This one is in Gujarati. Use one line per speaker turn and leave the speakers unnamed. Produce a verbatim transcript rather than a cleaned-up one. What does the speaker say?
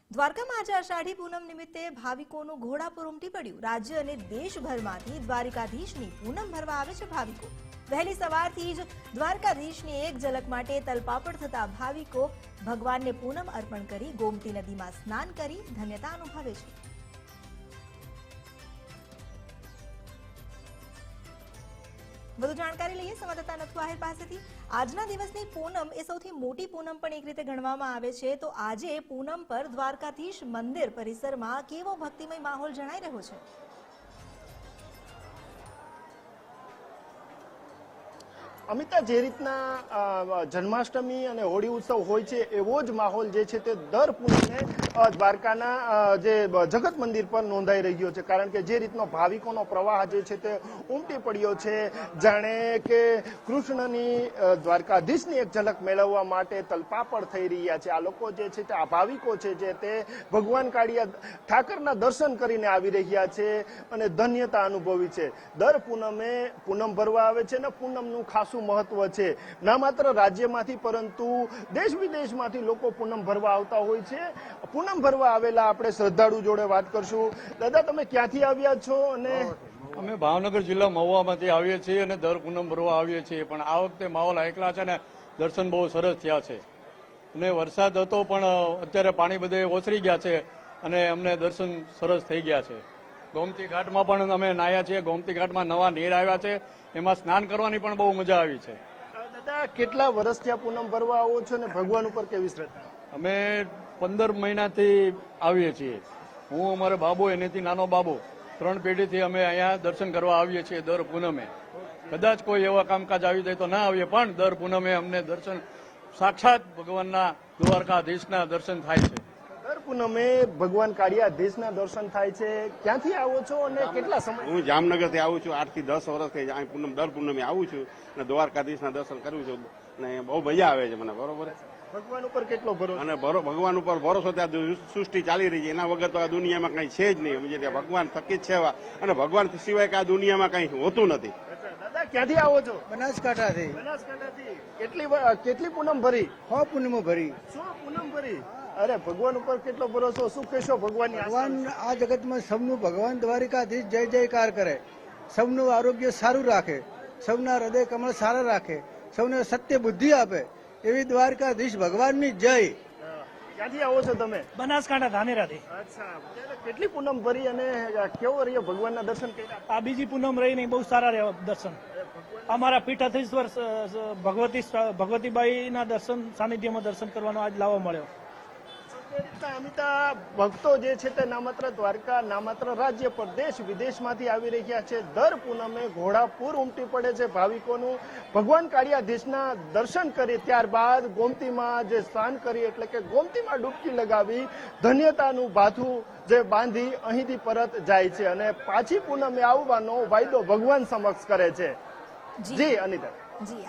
દ્વારકામાં આજે અષાઢી પૂનમ નિમિત્તે ભાવિકોનું ઘોડાપુર ઉમટી પડ્યું। રાજ્ય અને દેશભરમાંથી દ્વારિકાધીશની પૂનમ ભરવા આવે છે ભાવિકો। વહેલી સવારથી જ દ્વારકાધીશની એક ઝલક માટે તલપાપડ થતા ભાવિકો ભગવાનને પૂનમ અર્પણ કરી ગોમતી નદીમાં સ્નાન કરી ધન્યતા અનુભવે છે। વધુ જાણકારી લઈએ સંવાદદાતા નથુ આહિર પાસેથી। આજના દિવસની પૂનમ એ સૌથી મોટી પૂનમ પણ એક રીતે ગણવામાં આવે છે, તો આજે પૂનમ પર દ્વારકાધીશ મંદિર પરિસરમાં કેવો ભક્તિમય માહોલ જણાઈ રહ્યો છે?
અમિતા, જે રીતના જન્માષ્ટમી અને હોળી ઉત્સવ હોય છે એવો જ માહોલ જે છે તે દર પૂનમે દ્વારકાના જે જગત મંદિર પર નોંધાઈ રહ્યો છે, કારણ કે જે રીતનો ભાવિકોનો પ્રવાહ જે છે તે ઉમટી પડ્યો છે, જાણે કે કૃષ્ણની દ્વારકાધીશની એક ઝલક મેળવવા માટે તલપાપડ થઈ રહ્યા છે। આ લોકો જે છે તે આ ભાવિકો છે જે તે ભગવાન કાળિયા ઠાકરના દર્શન કરીને આવી રહ્યા છે અને ધન્યતા અનુભવી છે। દર પૂનમે પૂનમ ભરવા આવે છે અને પૂનમનું ખાસું મહત્વ છે। ના માત્ર રાજ્યમાંથી પરંતુ દેશ વિદેશમાંથી લોકો પૂનમ ભરવા આવતા હોય છે। પૂનમ ભરવા આવેલા આપણે શ્રદ્ધાળુ જોડે વાત કરશું। દાદા, તમે ક્યાંથી આવ્યા છો? અને
અમે ભાવનગર જિલ્લા મહુવામાંથી આવીએ છીએ અને દર પૂનમ ભરવા આવીએ છીએ, પણ આ વખતે માહોલ એકલા છે ને દર્શન બહુ સરસ થયા છે અને વરસાદ હતો પણ અત્યારે પાણી બધે ઓસરી ગયા છે અને અમને દર્શન સરસ થઈ ગયા છે। ગોમતી ઘાટમાં પણ અમે નાહ્યા છીએ। ગોમતી ઘાટમાં નવા નીર આવ્યા છે, એમાં સ્નાન કરવાની પણ બહુ મજા આવી છે।
દાદા, કેટલા વર્ષથી આ પૂનમ ભરવા આવો છો અને ભગવાન ઉપર કેવી શ્રદ્ધા?
અમે પંદર મહિનાથી આવીએ છીએ। હું અમારો બાબુ, એનેથી નાનો બાબુ, ત્રણ પેઢીથી અમે અહીંયા દર્શન કરવા આવીએ છીએ દર પૂનમે। કદાચ કોઈ એવા કામકાજ આવી જાય તો ના આવીએ, પણ દર પૂનમે અમને દર્શન સાક્ષાત ભગવાનના દ્વારકાધીશના દર્શન થાય છે।
દર પૂનમે ભગવાન કાળિયાધીશના દર્શન થાય છે। ક્યાંથી આવો છો અને કેટલા સમય?
હું જામનગરથી આવું છું। આઠ થી દસ વર્ષથી અહીં પૂનમ દર પૂનમે આવું છું અને દ્વારકાધીશના દર્શન કરું છું અને બહુ મજા આવે છે મને। બરોબર,
ભગવાન ઉપર કેટલો ભરોસો?
અને ભગવાન ઉપર ભરોસો, ત્યાં સૃષ્ટિ ચાલી રહી છે, એના વગર તો આ દુનિયામાં કઈ છે જ નહીં। સમજે, ભગવાન થકી જ છે અને ભગવાન સિવાય કે આ દુનિયામાં કઈ હોતું નથી।
દાદા, ક્યાંથી આવો છો?
બનાસકાંઠાથી।
બનાસકાંઠાથી કેટલી કેટલી પૂનમ ભરી?
હો પૂનમો ભરી।
સો પૂનમ ભરી? અરે, ભગવાન ઉપર કેટલો ભરોસો? શું કહેશો ભગવાનની?
ભગવાન આ જગતમાં સૌનું ભગવાન દ્વારિકાધીશ જય જયકાર કરે, સૌનું આરોગ્ય સારું રાખે, સૌના હૃદય કમળ સારા રાખે, સૌને સત્ય બુદ્ધિ આપે, એવી દ્વારકાધીશ ભગવાનની જય।
ક્યાંથી આવો છો તમે?
બનાસકાંઠા ધાનેરાથી।
અચ્છા, કેટલી પૂનમ ભરી અને કેવો રહ્યો ભગવાનના દર્શન કર્યા?
આ બીજી પૂનમ રહી નહીં, બહુ સારા રહ્યા દર્શન। અમારા પીઠાધીશ્વર ભગવતી ભગવતીબાઈના દર્શન સાનિધ્યમાં દર્શન કરવાનો આજ લાવો મળ્યો।
અમિતા, ભક્તો જે છે તે ના માત્ર દ્વારકા, ના માત્ર રાજ્ય પર દેશ વિદેશમાંથી આવી રહ્યા છે। દર પૂનમે ઘોડાપુર ઉમટી પડે છે ભાવિકોનું। ભગવાન કાળિયાધીશના દર્શન કરી ત્યારબાદ ગોમતીમાં જે સ્નાન કરી, એટલે કે ગોમતીમાં ડૂબકી લગાવી ધન્યતાનું ભાથું જે બાંધી અહીંથી પરત જાય છે અને પાછી પૂનમે આવવાનો વાયદો ભગવાન સમક્ષ કરે છે। જી અનિતા।
જી